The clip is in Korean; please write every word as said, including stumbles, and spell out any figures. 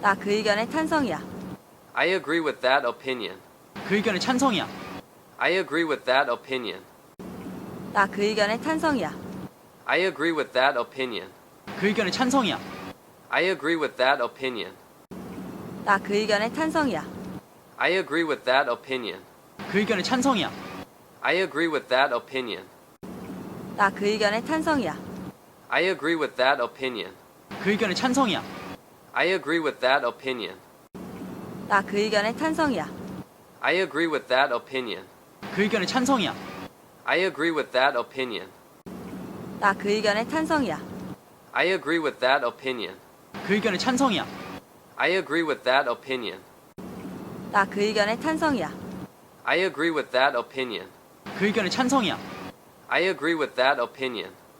나 그 의견에 찬성이야. I agree with that opinion. 그 의견에 찬성이야. I agree with that opinion. 나 그 의견에 찬성이야. I agree with that opinion. 그 의견에 찬성이야. I agree with that opinion. 나 그 의견에 찬성이야. I agree with that opinion. 그 의견에 찬성이야. I agree with that opinion. 나 그 의견에 찬성이야. I agree with that opinion. 그 의견에 찬성이야. I agree with that opinion. 나 그 의견에 찬성이야. I agree with that opinion. 그 의견에 찬성이야. I agree with that opinion. 나 그 의견에 찬성이야. I agree with that opinion. 그 의견에 찬성이야. I agree with that opinion. 나 그 의견에 찬성이야. I agree with that opinion. 그 의견에 찬성이야. I agree with that opinion.